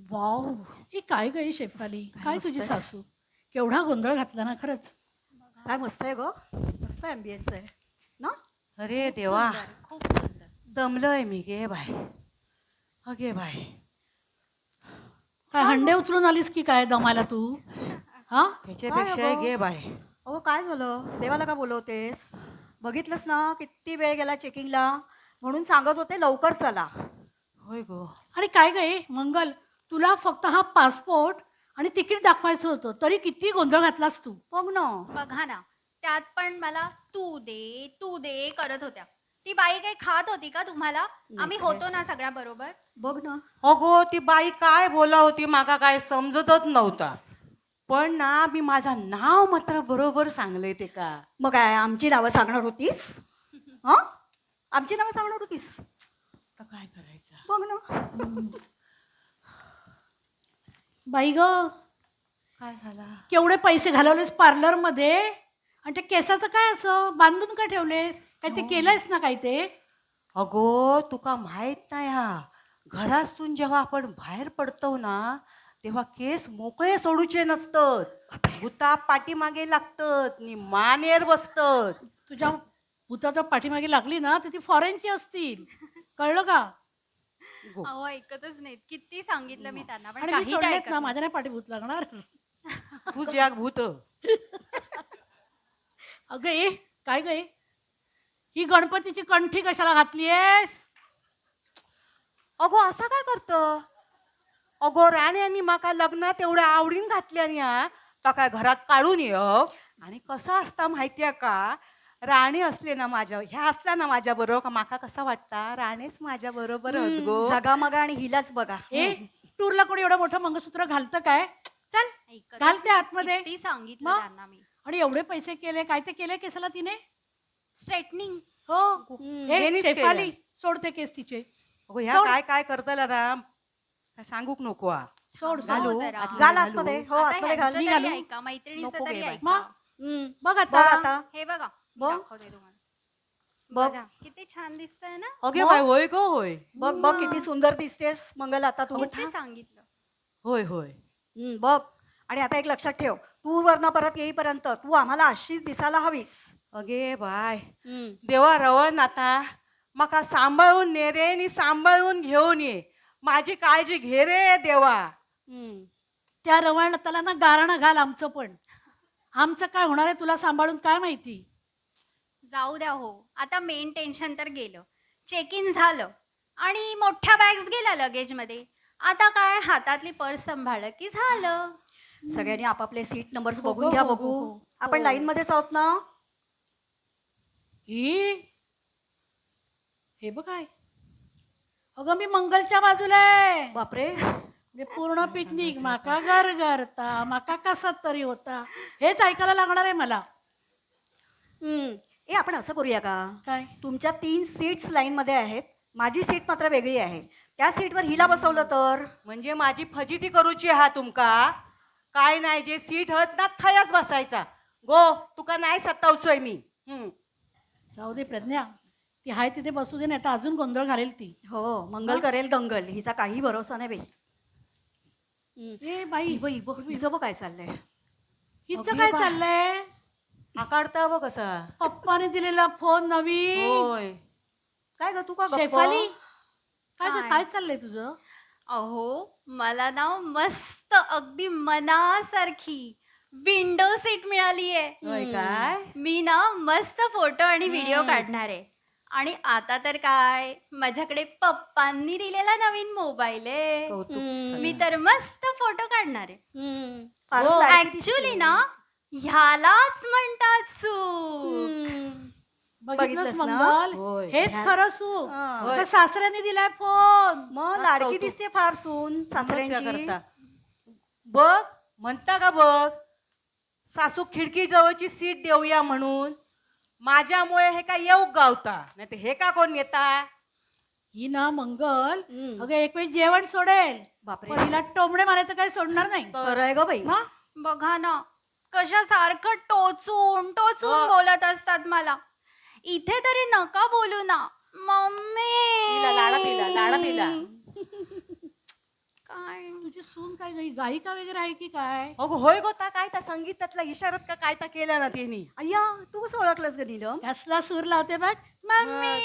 Wow, ही काय गं ही शेफाली, काय मस्त तुझी आहे. सासू, केवढा गोंधळ घातला ना खरंच. काय मस्त आहे ग. मस्त ॲम्बियन्स आहे ना. अरे खूप देवा, सुंदर खूप सुंदर. दमलोय मी गे बाय. अगे बाय. काय हंडे उचलून आलीस की काय दमाला तू? हा, त्याच्यापेक्षा अगं? गे बाय. अहो काय झालं, देवाला का बोलवतेस? बघितलंस ना किती वेळ गेला चेकिंगला, म्हणून सांगत होते लवकर चला. होय गो. आणि काय गं हे मंगल, तुला फक्त हा पासपोर्ट आणि तिकीट दाखवायचं होतं तरी किती गोंधळ घातलास तू. बघ ना. बघा ना, त्यात पण मला तू दे करत होत्या. ती बाई काही खात होती का तुम्हाला? आम्ही होतो ना सगळ्या बरोबर. बघ ना. अगो ती बाई काय बोला होती माका काय समजतच नव्हता. पण ना मी माझा नाव मात्र बरोबर सांगले ते का. मग काय आमची नावं सांगणार होतीस? हा, आमची नावं सांगणार होतीस? आता काय करायचं. बघ ना. बाई ग, काय झाला. केवढे पैसे घालवलेस पार्लरमध्ये आणि ते केसाचं काय असं बांधून का ठेवलेस? काय ते केलंयस ना काय ते? अगो तुका माहित नाही हा, घरातून जेव्हा आपण बाहेर पडतो ना तेव्हा केस मोकळे सोडूचे नसतात. भूता पाठीमागे लागतात नि मानेर बसतात. तुझ्या भूताच्या पाठीमागे लागली ना तर ती फॉरेनची असतील, कळलं का? गो. अहो ऐकतच नाहीत. किती सांगितलं मी त्यांना पण आणि मी काही ते सोडलेत ऐकत ना, नाही. माझ्या नाही पाठीभूत लागणार. तूच याक भूत. अगं ए, काय ग ए? ही गणपतीची कंठी कशाला घातलीयस? अगो असा काय करत. अगो राण्यांनी माका लग्नात एवढ्या आवडीन घातल्यानी हा तर काय घरात काढून ये. आणि कसं असता माहितीये का, राणी असले ना माझ्या ह्या असल्या ना माझ्या बरोबर का माका कसा वाटता राणीच माझ्या बरोबर गो. जगामगा आणि हिलाच बघा. ए, टूरला कोणी एवढं मोठं मंगळसूत्र घालतं काय? चल ऐकतच घालते नाही. आतमध्ये. किती सांगितलं मग? त्यांना मी. आणि एवढे पैसे केले, काय ते केले केसाला तिने? स्ट्रेटनिंग. हो. ए हेनीच शेफाली, केलं. सोडते केस तिचे. अगो ह्या सोड. काय काय करताला ना काय सांगूक नको हा. सोड घालू? सोड. जरा. आतमध्ये घाल घालू? आतमध्ये. हो आता आतमध्ये घाल. ह्यांचं मी तरी घालू? ऐका, मैत्रिणीचं नको तरी गे बाई. ऐका. मग? बघ बघ आता. आता. हे बघा मी बघ. दाखवते तुम्हाला. बघ. बघा किती छान दिसतंय ना. अगे बाय होय गो होय. बघ बघ किती सुंदर दिसतेस मंगल आता तू. किती सांगितलं. होय होय. बघ. आणि आता एक लक्षात ठेव, तू वरनं परत येईपर्यंत तू आम्हाला अशीच दिसायला हवीस. अगे बाय देवा रवण आता मका सांभाळून ने रे आणि सांभाळून घेऊन ये. माझी काळजी घे रे देवा. त्या रवाळ लताला ना गारणं घाल आमचं पण. आमचं काय होणार आहे तुला सांभाळून काय माहिती? जाऊ द्या हो. आता मेन टेन्शन तर गेलं. चेक इन झालं आणि मोठ्या बॅग्स गेल्या लगेजमध्ये. आता काय हातातली पर्स सांभाळलं की झालं. सगळ्यांनी आपापले सीट नंबर्स हो, बघून घ्या. हो, हो, बघू हो. आपण लाईन मध्येच आहोत ना. ही हे बघ काय, अगं मी मंगलच्या बाजूला आहे. बापरे. म्हणजे पूर्ण पिकनिक माका गरगरता माका कसा तरी होता हेच ऐकायला लागणार आहे मला. ए आपण असं करूया का, काय तुमच्या 3 सीट्स लाईन मध्ये आहेत, माझी सीट मात्र वेगळी आहे. त्या सीटवर हिला बसवलं तर. म्हणजे माझी फजिती करूची हा तुमका. काय नाही जे सीट हत ना थयच बसायचा. गो तुका नाही सतावचोय मी. जाऊ दे प्रज्ञा, ती हाय तिथे बसू दे, नाही तर अजून गोंधळ घालेल ती. हो मंगल करेल दंगल, हिचा काही भरोसा नाही बाई. ए बाई, हिचं बघ काय चाललंय. हिचं अगे काय बा. चाललंय? आकाडता व कसा. पप्पाने दिलेला फोन नवीन. होय. काय ग तू का गप्प? शेफाली, काय ग, काय? काय चाललंय तुझं? अहो मला ना मस्त अगदी मनासारखी विंडो सीट मिळालीये. होय काय. मी ना मस्त फोटो आणि व्हिडिओ काढणार आहे. आणि आता तर काय माझ्याकडे पप्पांनी दिलेला नवीन मोबाईल आहे. कौतुक मी तर मस्त फोटो काढणार आहे. फारच लाडकी ऍक्च्युली दिसते. ना ह्यालाच म्हणतात सूप. बघितलंस ना? मंगल, होय. हेच खरं सू. हा. आता सासऱ्याने दिलाय फोन. मग हा, लाडकी कौतुक. दिसते फार सून मज्जा सासऱ्यांची. करता. बघ म्हणता का बघ, सासू खिडकी जवळची सीट देऊया म्हणून. माझ्यामुळे हे का येऊ गावता, नाही तर हे का कोण येता. ही ना मंगल, हम्म. अगं एक वेळ जेवण सोडेल, बापरे. पण हिला टोमणे मारायचं काही सोडणार नाही. खरं आहे ग बाई. हा? बघा ना कशा सारखं टोचून टोचून बोलत असतात मला. इथे तरी नका बोलू ना तिला लाडा मम्मी. तिला लाडा तिला. काय तुझी सून काय गायिका वगैरे आहे की काय? अगो होय गो ता काय त्या संगीतातला इशारात का काय ता केला ना त्यांनी. अय्या तू कसं ओळखलंस ग नीलम? कसला सूर लावते बघ मम्मी.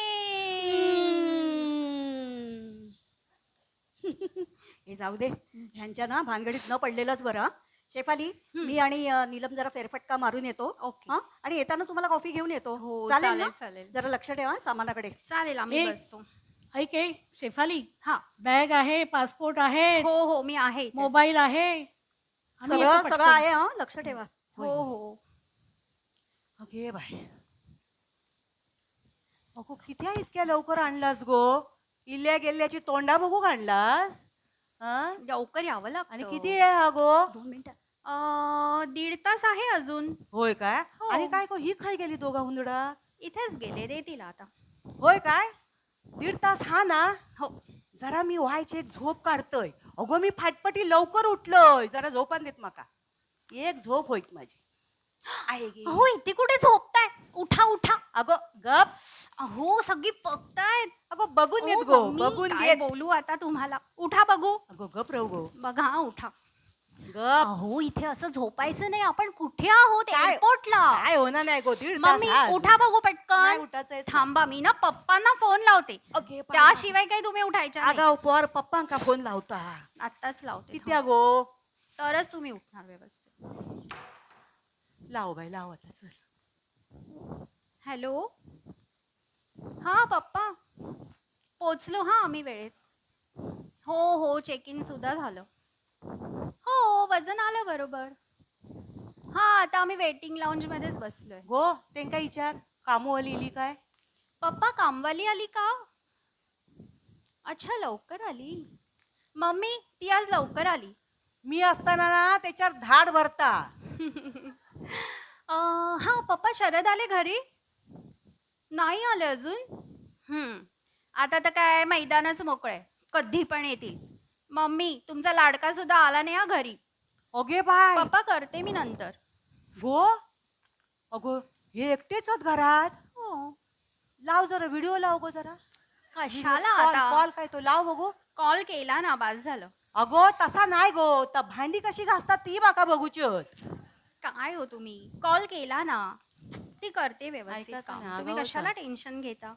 हे जाऊ दे, ह्यांच्या ना भानगडीत न पडलेलंच बरं. शेफाली, मी आणि नीलम जरा फेरफटका मारून येतो. ओके. हा, आणि येताना तुम्हाला कॉफी घेऊन येतो. हो, चालेल चालेल, ना? चालेल. जरा लक्ष ठेवा सामानाकडे. चालेल आम्ही ए, बसतो. ऐक ए, शेफाली, हा बॅग आहे, पासपोर्ट आहे, हो हो मी आहे इथेच. मोबाईल आहे. आम्ही येतो सगळं पटकन. सगळं आहे, हा लक्ष ठेवा. हो हो अगे बाय. अगो किती इतक्या लवकर आणलास गो? इल्ल्या गेल्याची तोंडा बघू आणलास? हा? लवकर यावं लागतं. आणि किती आहे हा गो? 2 मिनिटं. 1.5 तास आहे अजून. होय काय? हो. आणि काय गो ही खाय गेली दोघा हुंदडा? इथेच गेले देतील आता. होय काय? 1.5 तास हा ना? हो जरा मी व्हायची एक झोप काढतोय. अगो मी फाटपटी लवकर उठलोय. जरा झोपान देत माका. एक झोप होईत माझी. आहे गे. अहो इथे कुठे झोपताय? उठा उठा. अगो गप. अहो सगळी बघतायत. अगो बघून ओ, येत गो. मम्मी, बघून काय येत. बोलू आता तुम्हाला? उठा बघू. अगो गप राहू गो. बघा हा, उठा. गप. अहो इथे असं झोपायचं नाही. आपण कुठे आहोत? काय? एअरपोर्टला. काय होणार नाही गो 1.5 तास मम्मी हा अजून. उठा बघू नाही पटकन. उठायचंय. थांबा मी ना पप्पांना फोन लावते. अगे बाई. त्याशिवाय काही तुम्ही उठायच्या नाही. आगाव पोर पप्पांका फोन लावता. आत्ताच लावते किती गो? तरच तुम्ही उठणार व्यवस्थित. लाव बाई लाव आता चल. हॅलो हा पप्पा पोचलो हा आम्ही वेळेत. हो हो चेक इन सुद्धा झालं. हो वजन आलं बरोबर. हा आता आम्ही वेटिंग लाऊंज मध्येच बसलोय. गो तेंका विचार कामवाली इली काय? पप्पा कामवाली आली का? अच्छा लवकर आली. मम्मी ती आज लवकर आली. मी असताना ना त्याच्यावर धाड भरता. हा पप्पा शरद आले घरी? नाही आले अजून. आता तर काय मैदानच मोकळे कधी पण येतील. मम्मी तुमचा लाडका सुद्धा आला नाही हा घरी. अगे बाय. पप्पा करते मी नंतर. गो अगो हे एकटेच आहेत घरात. हो लाव जरा व्हिडिओ लाव गो जरा. कशाला कॉल आता? कॉल काय तो लाव बघू. कॉल केला ना बास झालं. अगो तसा नाही गो. तर भांडी कशी घासतात ती बाका बघूची आहेत. काय हो तुम्ही कॉल केला ना ती करते व्यवस्थित ऐकायचं काम. नाही, तुम्ही आगाऊच कशाला आहे. टेन्शन घेता?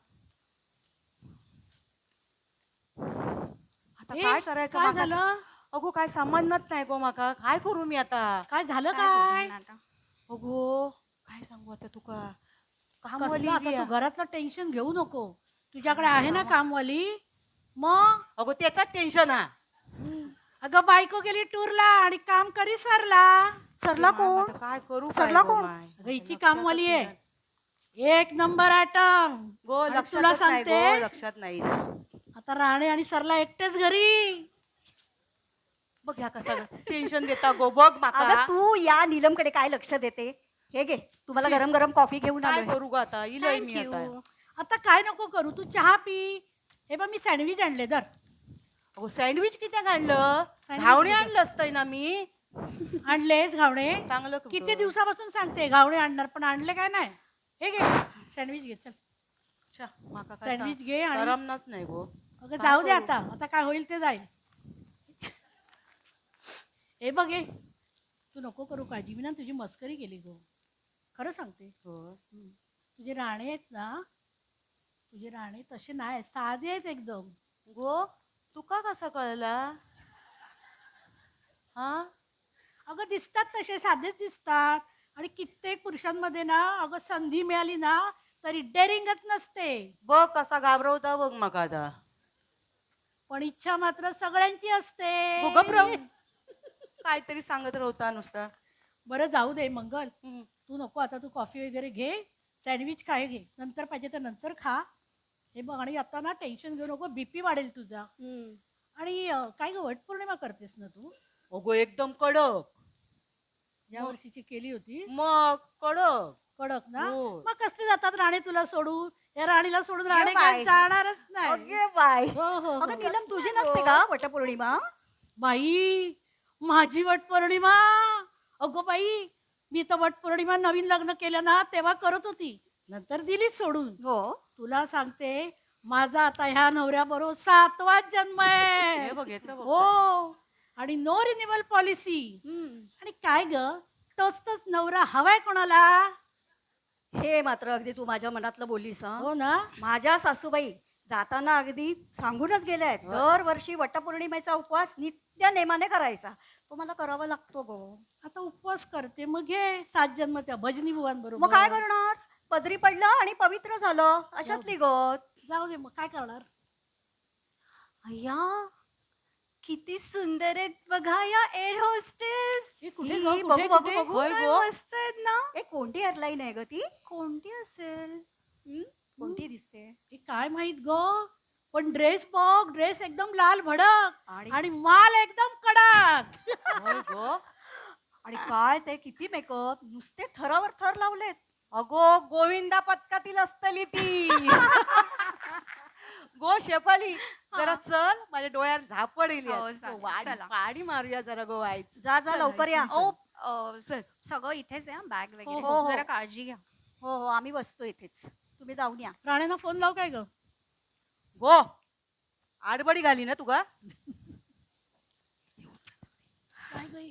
आता ए, काय करायचं काय माका? झालं? अगो काय समजत नाही गो माका. काय करू मी आता? काय झालं काय काय? बोलणार आता? अगो काय सांगू आता तुका. कामवाली कसलं आता इली तू आहे. घरातलं टेन्शन घेऊ नको. तुझ्याकडे आहे ना कामवाली. मग अगो त्याचाच टेन्शन हा. अगं बायको गेली टूरला आणि काम करी सरला. सरला कोण? आता काय करू सरला काय गो कोण? माय? अगं हिची कामवाली आहे. एक नंबर आयटम. गो आणि लक्षात तुला नाही सांगते गो लक्षात नाही. आता राणे आणि सरला एकटेच घरी. बघ ह्या कसा टेन्शन देता गो. बघ माका. अगं तू या नीलमकडे काय लक्ष देते? हे घे, तुम्हाला गरम गरम कॉफी घेऊन काय आलोय. करू ग आता? इलय मी Thank आता. you. आता काय नको करू तू चहा पी. हे बघ मी सँडविच आणले दर. अगो सँडविच किती आणलं? सँडविच घावणे किती? आणलं असतंय ना मी. आणलेस घावणे? चांगलं कुठं? किती दिवसापासून सांगते घावणे आणणार पण आणले काय नाही. हे घे सँडविच घे चल. अच्छा, माका काय सँडविच सांग- घे आणि करमनाच नाही गो. अगं काय जाऊ दे करू? आता. आता काय होईल ते जाईल. हे बघ हे तू नको करू काळजी. मी ना तुझी मस्करी केली गो. खरं सांगते. हो. तुझे राणे आहेत ना तुझे राणे तसे नाही साधे आहेत एकदम. गो तुका कसं कळला? हा अगं दिसतात तसे साधेच दिसतात. आणि कित्येक पुरुषांमध्ये ना अगं संधी मिळाली ना तरी डेअरिंगच नसते. बघ कसा घाबरवता बघ मग आता. पण इच्छा मात्र सगळ्यांची असते. गो गप राहू. काहीतरी सांगत राहता नुसता. बरं जाऊ दे मंगल. हम्म. तू नको आता. तू कॉफी वगैरे घे. सँडविच काय घे. नंतर पाहिजे तर नंतर खा. हे बघ आणि आता ना टेन्शन घेऊ नको. बीपी वाढेल तुझा. आणि काय ग वटपौर्णिमा करतेस ना तू? अगो एकदम कडक. या वर्षीची केली होती. मग कडक. कडक ना. हो. मग कसले जातात राणे तुला सोडून? या राणीला सोडून राणे ये बाई. काय जाणारच नाही. अगे बाय. हो, हो, हो. अगं नीलम तुझी नसते का वटपौर्णिमा? बाई माझी वटपौर्णिमा. अगो बाई मी तर वटपौर्णिमा नवीन लग्न केलं ना तेव्हा करत होती. नंतर दिलीच सोडून. हो. तुला सांगते माझा आता ह्या नवऱ्याबरोबर 7वा जन्म आहे. हे बघ याचं बघ. हो आणि नो रिन्युअल पॉलिसी. आणि काय ग तोच तोच नवरा हवाय कोणाला? हे मात्र अगदी तू माझ्या मनातलं बोललीस हा. हो ना. माझ्या सासूबाई जाताना अगदी सांगूनच गेल्या आहेत दरवर्षी वटपौर्णिमेचा उपवास नित्य नेमाने करायचा. तो मला करावा लागतो गो. आता उपवास करते मग घे 7 जन्म त्या भजनी बुवांबरोबर. मग काय करणार? पदरी पडलं आणि पवित्र झालं अशातली गत. जाऊ दे मग काय करणार. अय्या किती सुंदर आहेत बघा या एअर होस्टेस. हे कुठे ही, ग बघू, कुठे बघू, कुठे? बघू. होय काय गो. मस्त आहेत ना. ए कोणती एअरलाईन आहे ग ती? कोणती असेल? कोणती दिसते? हे काय माहित ग पण ड्रेस बघ ड्रेस एकदम लाल भडक आणि आणि माल एकदम कडक. होय गो. आणि काय ते किती मेकअप नुसते थरावर थर लावलेत. अगो गोविंदा पथकातील असतली ती. गो शेफाली जरा चल माझ्या डोळ्यात झापड येईल हो, चालेल, चला. पाडी मारूया जरा गो वाईच. जा जा लवकर या. ओ सगळं इथेच आहे बॅग वगैरे. हो, हो. जरा काळजी घ्या. हो हो आम्ही बसतो इथेच. तुम्ही जाऊन या. राण्यांना फोन लाव काय ग. गो आडबडी घाली ना तुगा. काय ग हे?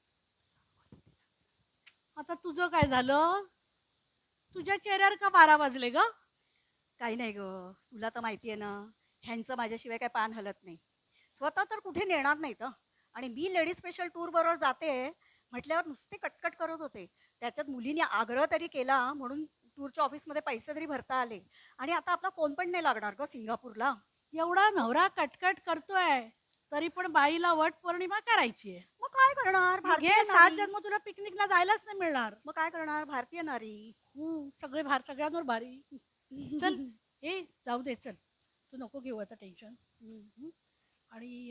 आता तुझं काय झालं तुझ्या चेहऱ्यावर का 12 वाजले ग. काही नाही ग तुला तर माहिती आहे ना ह्यांचं माझ्याशिवाय काय पान हलत नाही. स्वतः तर कुठे नेणार नाहीत हं. आणि मी लेडीज स्पेशल टूर बरोबर जाते म्हटल्यावर नुसते कटकट करत होते. त्याच्यात मुलीने आग्रह तरी केला म्हणून टूरच्या ऑफिसमध्ये पैसे तरी भरता आले. आणि आता आपला फोन पण नाही लागणार ग सिंगापूरला. एवढा नवरा कटकट करतोय तरी पण बाईला वट पौर्णिमा करायची आहे. मग काय करणार भारतीय घे 7 नारी. जन्म तुला पिकनिकला जायलाच नाही मिळणार. मग काय करणार भारतीय नारी. सगळे सगळ्यांवर भारी. चल ए जाऊ दे चल तू नको घेऊ आता टेन्शन. आणि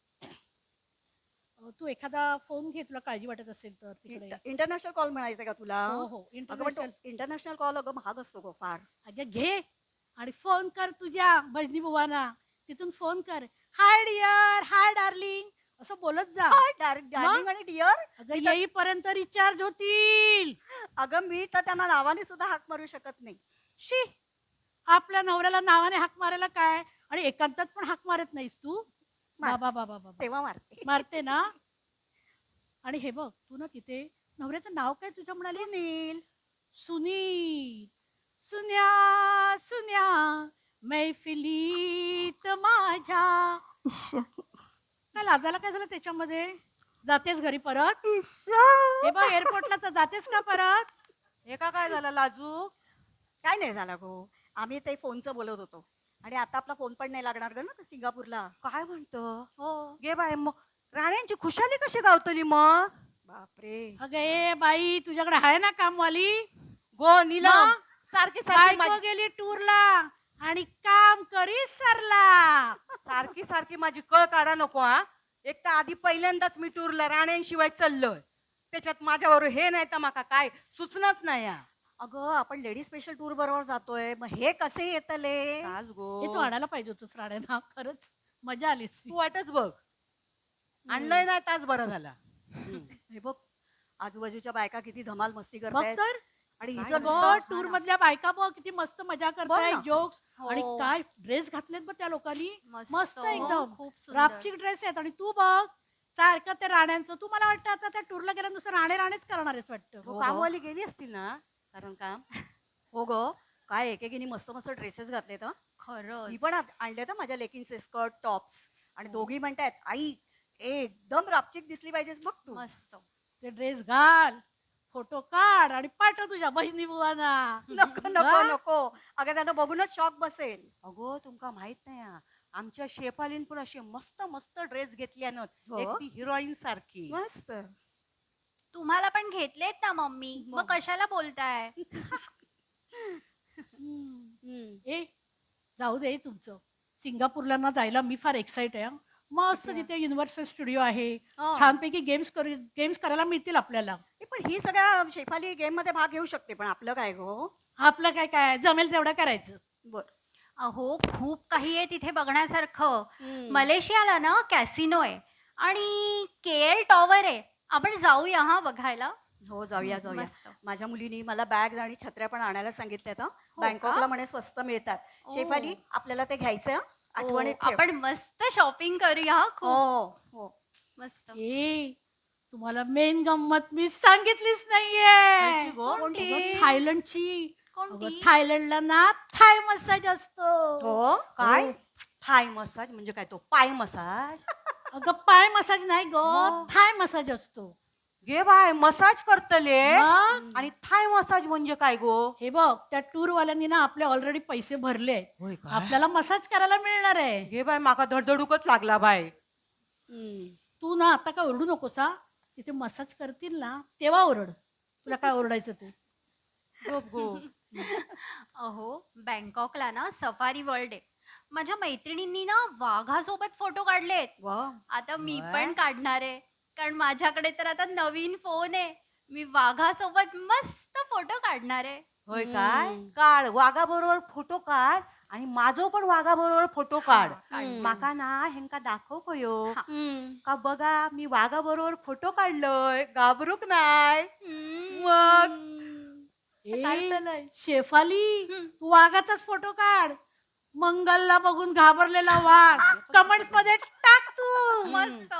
तू एखादा फोन घे तुला काळजी वाटत असेल तर तिकडे. इंटरनॅशनल कॉल म्हणायचं का तुला? हो हो अगं पण इंटरनॅशनल. इंटरनॅशनल कॉल अगं महाग असतो गो फार. अगं घे आणि फोन कर तुझ्या भजनी बुवाना. तिथून फोन कर हाय डिअर हाय डार्लिंग असं बोलत जा. डार्लिंग आणि डिअर. अगं येईपर्यंत रिचार्ज होतील. अगं मी तर त्यांना नावाने सुद्धा हाक मारू शकत नाही. शी आपल्या नवऱ्याला नावाने हाक मारायला काय आणि एकांतात पण हाक मारत नाहीस तू. मार. बाबा बाबा बाबा तेव्हा मारते. मारते ना. आणि हे बघ तू ना तिथे नवऱ्याचं नाव काय तुझ्या म्हणाली. सुनील. सुनील सुन्या सुन्या मैफिलीत माझ्या. काय लाजायला काय झालं त्याच्यामध्ये. जातेस घरी परत. हे बघ एअरपोर्टला तर जातेस का परत. हे का काय झालं लाजू. काय नाही झालं गो आम्ही ते फोनचं बोलत होतो आणि आता आपला फोन पण नाही लागणार ग ना सिंगापूरला. काय म्हणतो. हो. गे बाय मग राण्यांची खुशाली कशी गावतली मग. बापरे. अगं ए बाई तुझ्याकडे आहे ना कामवाली. गो नीलम मग? सारखी सारखी बायको गेली टूरला आणि काम करी सरला. सारखी सारखी माझी कळ काढा नको हा. एक तर आधी पहिल्यांदाच मी टूरला राण्यांशिवाय चाललोय त्याच्यात माझ्यावर हे नाही तर माका काय सुचनच नाही हा. अगं आपण लेडीज स्पेशल टूर बरोबर जातोय मग हे कसे येतले. तास गो हे तू आणायला पाहिजे होतंस राण्यांना. खरंच मजा आलीस. तू वाटच बघ आणलंय नाही तास बरं झाला. हे बघ आजूबाजूच्या बायका किती धमाल मस्ती बघ करतायत. तर आणि काय हिचं गं? नुसतं टूर मधल्या बायका बघ किती मस्त मजा करताय ना. जोक्स. हो. आणि काय ड्रेस घातलेत बघ त्या लोकांनी. मस्त हो, एकदम खूप सुंदर. रापचिक ड्रेस आहेत. आणि तू बघ सारखं ते राण्यांचं. तू मला वाटतं आता त्या टूरला गेल्या नुसतं राणे राणेच करणार आहेस वाटतं. हो, कामवाली गेली असतील ना कारण काम. हो ग काय एकेकीने मस्त मस्त ड्रेसेस घातलेत हं. खरंच. मी पण आणले तर माझ्या लेकींचे स्कर्ट टॉप्स आणि दोघी म्हणतायत आई एकदम रापचिक दिसली पाहिजेस बघ तू. मस्त. ते ड्रेस घाल फोटो काढ आणि पाठव तुझ्या बहिणी बुवांना. नको नको हा? नको अगं त्यांना बघूनच शॉक बसेल. अगो तुमका माहित नाही हा. आमच्या शेफालीन पण असे मस्त मस्त ड्रेस घेतल्यानं हो? एक ती हिरोईन सारखी. मस्त. तुम्हाला पण घेतलेत ना मम्मी मग कशाला बोलताय. ए जाऊ दे तुमचं. सिंगापूरला ना जायला मी फार एक्साइट आहे हं. मस्त तिथे युनिव्हर्सल स्टुडिओ आहे. हा. छानपैकी गेम्स करायला मिळतील आपल्याला. पण ही सगळ्या शेफाली गेम मध्ये भाग घेऊ शकते पण आपलं काय गो. आपलं काय काय जमेल तेवढं करायचं. बर. अहो खूप काही आहे तिथे बघण्यासारखं. मलेशियाला ना कॅसिनो आहे आणि KL टॉवर आहे. आपण जाऊया हा बघायला. हो जाऊया जाऊया. मस्त. माझ्या मुलीनी मला बॅग आणि छत्र्या पण आणायला सांगितल्यात हं. हो बँकॉकला का? म्हणे स्वस्त मिळतात. ओ. शेफाली आपल्याला ते घ्यायचं हं. आठवणीत ठेव. आपण मस्त शॉपिंग करूया हा, हो खूप हो हो. मस्त. ए तुम्हाला मेन गंमत मी सांगितलीच खायची नाहीये. गो? कोणती? अगं, थायलंडची. कोणती? अगं, थायलंडला ना थाय मसाज असतो. हो काय हो. थाय मसाज म्हणजे काय तो पाय मसाज? अगं पाय मसाज नाही ग, मग? थाय मसाज असतो. गे बाय मसाज करतले मग? आणि थाय मसाज म्हणजे काय गो? हे बघ त्या टूर वाल्यांनी ना आपले ऑलरेडी पैसे भरले. होय काय? आपल्याला मसाज करायला मिळणार आहे. गे बाय माका धडधडूकच लागला बाय. हम्म. तू ना आता काय ओरडू नकोस हा. तिथे मसाज करतील ना तेव्हा ओरड. तुला काय ओरडायचं ते. गप गो. अहो बँकॉकला ना सफारी वर्ल्ड आहे. माझ्या मैत्रिणींनी ना वाघासोबत फोटो काढलेत. वा. आता मी वा. पण काढणार आहे, कारण माझ्याकडे तर आता नवीन फोन आहे. मी वाघासोबत मस्त फोटो काढणार आहे. होय काय? हम्म. काढ वाघा बरोबर फोटो काढ आणि माझो पण वाघा बरोबर फोटो काढ. हम्म. माका ना हेंका दाखव कयो. हा. हम्म. का बघा मी वाघा बरोबर फोटो काढलोय घाबरूक नाय. हम्म. मग? ए, काढतलंय. शेफाली हम्म. तू वाघाचाच फोटो काढ. मंगलला बघून घाबरलेला वाघ कमेंट्स मध्ये टाक तू. मस्त.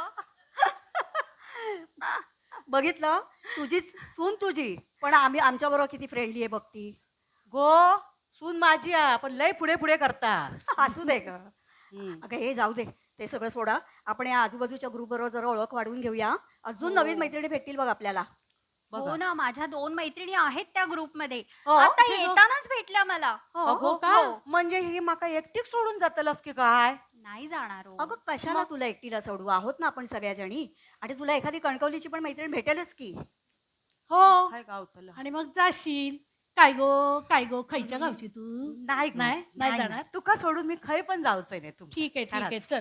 बघितलं तुझीच सून तुझी पण आम्ही आमच्या बरोबर किती फ्रेंडली आहे बघती. गो सून माझी आ, पण लय पुढे पुढे करता. असू दे ग. हम्म. अगं हे जाऊ दे ते सगळं सोडा. आपण या आजूबाजूच्या ग्रुप बरोबर जरा ओळख वाढवून घेऊया. अजून हो. नवीन मैत्रिणी भेटतील बघ आपल्याला. हो बघा. ना, माझ्या 2 मैत्रिणी आहेत त्या ग्रुपमध्ये. हो? आता हे बघ. येतानाच भेटल्या मला. हो अगो का? हो. म्हणजे ही माका एकटीक सोडून जातलस की काय? नाही जाणार हो. अगं कशाला तुला एकटीला सोडू आहोत ना आपण सगळ्याजणी. आणि तुला एखादी कणकवलीची पण मैत्रीण भेटेलच की. हो काय गावतलं? आणि मग जाशील. काय गो खयच्या गावची तू? नाही गं. नाही जाणार? तुका सोडून मी खय पण जाऊचंय नाही तुम्ही. ठीक आहे चल.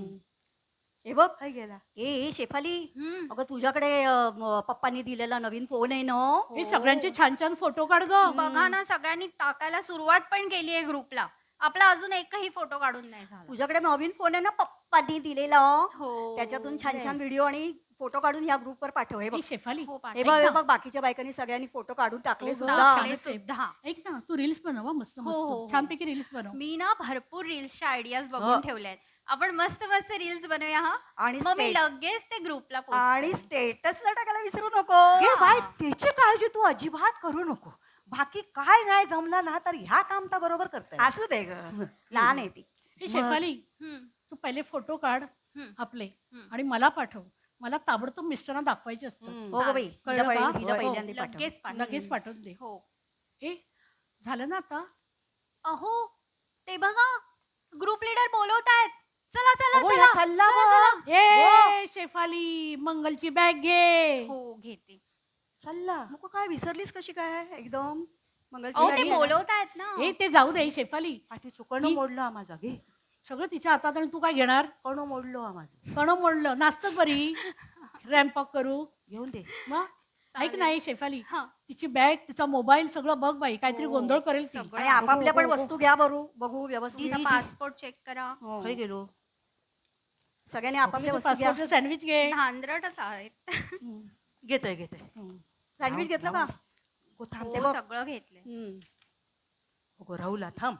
हे बघ खय गेला? ए शेफाली हम्म. अगं तुझ्याकडे पप्पांनी दिलेला नवीन फोन आहे ना. हे सगळ्यांचे छान छान फोटो काढ ग. बघा ना, सगळ्यांनी टाकायला सुरुवात पण केली आहे ग्रुपला. आपला अजून एकही फोटो काढून नाही झाला. तुझ्याकडे नवीन फोन आहे ना पप्पांनी दिलेला. हो. त्याच्यातून छान छान व्हिडिओ आणि फोटो काढून ह्या ग्रुपवर पाठव. हे बघ हे शेफाली हो, हे पाठव. बघ ऐक हे ना. बघ बाकीच्या बायकांनी सगळ्यांनी फोटो काढून टाकले हो, सुद्धा. टाकले. टाकले सुद्धा. ऐक ना तू रील्स बनव हं, मस्त हो, हो, हो. मस्त छानपैकी रील्स बनव. मी ना भरपूर रील्सच्या आयडियाज हो. बघून ठेवल्यात. आपण मस्त मस्त रील्स बनवूया हा. आणि मग मी स्टे- लगेच ते ग्रुपला आणि पोस्ट स्टेटसला टाकायला विसरू नको. हे बाय त्याची काळजी तू अजिबात करू नको. बाकी काय नाही जमला ना तर ह्या काम तर बरोबर करताय. असू दे ग लहान आहे ती. हे शेफाली तू पहिले फोटो काढ आपले आणि मला पाठव. मला ताबडतोब मिस्टरांना दाखवायचे असतात. हो ग बाई कळलं का? हिला हो, पहिल्यांदा पाठव. लगेच पाठव. लगेच पाठवून दे. हो. ए झालं ना आता? अहो ते बघा, ग्रुप लीडर बोलवतायत. चला चला अगो, चला या चालला चला, व. चला. ए शेफाली मंगलची बॅग घे. हो घेते. चालला. मग काय विसरलीस कशी काय एकदम मंगलची अहो गाडी ते आहे ना. बोलवतायत ना. ए ते जाऊ दे शेफाली. पाठी चुकणं ही- मोडलं हा माझा घे. सगळं तिच्या हातात आणि तू काय घेणार? कणं मोडलो हा माझं. कण मोडलं नाचतच बरी. रॅम्पॉक करू घेऊन दे. मग ऐक नाही शेफाली हा. तिची बॅग तिचा मोबाईल सगळं बघ बाई काहीतरी हो, गोंधळ करेल ती. सगळं. आणि आपापल्या पण हो, हो. वस्तू घ्या बघू व्यवस्थित. तुमचा पासपोर्ट चेक करा. हो. खय गेलो. सगळ्यांनी आपापल्या वस्तू घ्या. पासपोर्टचं सँडविच घे. धांदरटच आहेत. घेतोय सँडविच घेतलं का? गो थांब हो, ते बघ. सगळं घेतलंय. गो राहुला थांब.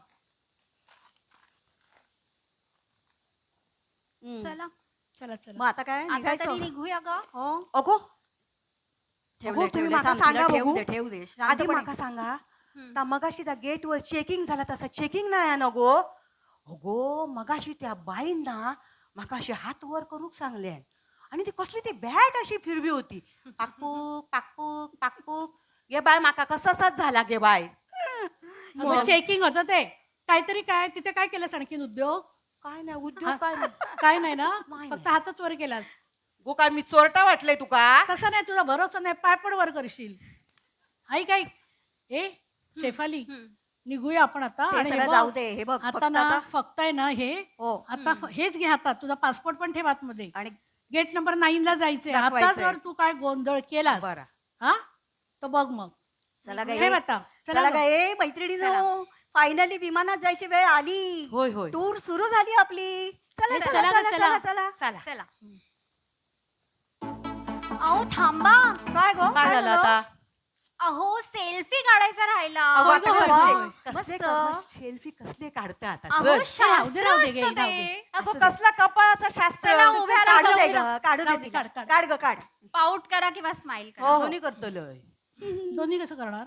चला चला मग चला आता काय आता निघायचं? तरी निघूया का? हो अगो ठेवले अगो, तुम्ही ठेवले माका थांब, सांगा तिला बघू. ठेवू दे आधी शांतपणे. माका सांगा हम्म. ता मगाशी त्या गेटवर चेकिंग झाला तसा चेकिंग नाही ना गो. अगो मगाशी त्या बाईन ना माका अशी हात वर करूक सांगले आणि ती कसली ती बॅट अशी फिरवी होती. पाकपूक पाकपूक पाकपूक. गे बाय माका कसाच झाला गे बाय. अगं चेकिंग होतं ते काहीतरी काय तिथे काय केलंस आणखीन उद्योग? काय नाही उद्योग काय नाही. काय नाही ना नाही, फक्त हातच वर केलास. गो काय मी चोरटा वाटलंय तुका? तसं नाही तुझा भरोसा नाही पाय पण वर करशील. ऐक ऐक ए शेफाली हम्म. निघूया आपण आता. ते आणि हे सगळं बघ, जाऊ दे हे बघ आता फक्त ना आता फक्त आहे ना हे हो आता हेच घे हातात. तुझा पासपोर्ट पण ठेव आतमध्ये. आणि गेट नंबर 9 ला जायचंय. आता दाखवायचंय. जर तू काय गोंधळ केलास बरं. हा तर बघ मग. चला ठेव काय आता. चला चला काय मैत्रिणीनो फायनली विमानात जायची वेळ आली. होय होय. टूर सुरू झाली आपली. चला चला, चला चला, चला चला चला. चला चला. चला. अहो थांबा. काय गो काय झालं आता अहो सेल्फी काढायचा राहिला. अगं, होय गं, आता होय, कसले- होय. कसले सेल्फी कसले काढता आता अहो चल. राहू दे, शास्त्र राहू दे, असतं घे, राहू ते. दे. अगं असं दे. कसला कपाळाचा शास्त्र चला उभ्या राहा. काढू दे राहू ग काढू राहू दे दे, तिला. काढ, काढ. काढ ग काढ. पाऊट करा किंवा स्माइल करा. हो. दोन्ही करतलोय दोन्ही कसं करणार?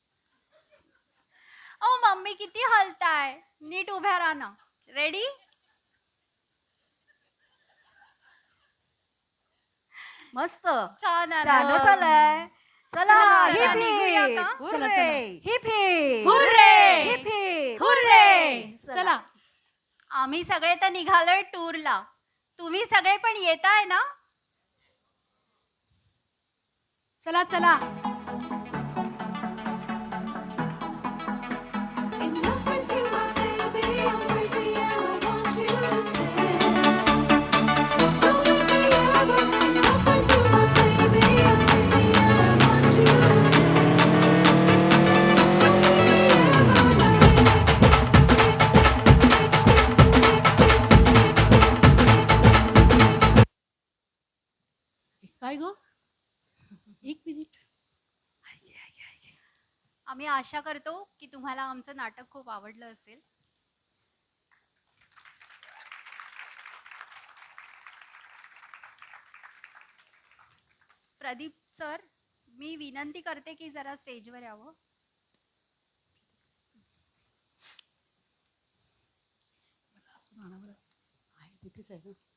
अहो मम्मी किती हलताय. नीट उभ्या राहा ना. रेडी. मस्त छान आलं. छान चालय. चला चला, हिप निघूया हिप. का? चला, hurray. Hip hip. Hurray. Hip hip. Hurray! चला. चला आम्ही सगळे तर निघालोय टूरला. तुम्ही सगळे पण येताय ना. चला चला. Enough with you, my baby. I'm crazy and I want you to stay. Don't leave me ever. Enough with you, my baby. I'm crazy and I want you to stay. Don't leave me ever. काय गो, एक minute. आम्ही आशा करतो की तुम्हाला आमचं नाटक खूप आवडलं असेल. प्रदीप सर, मी विनंती करते की जरा स्टेजवर यावं. आहे तिथेच आहे ना.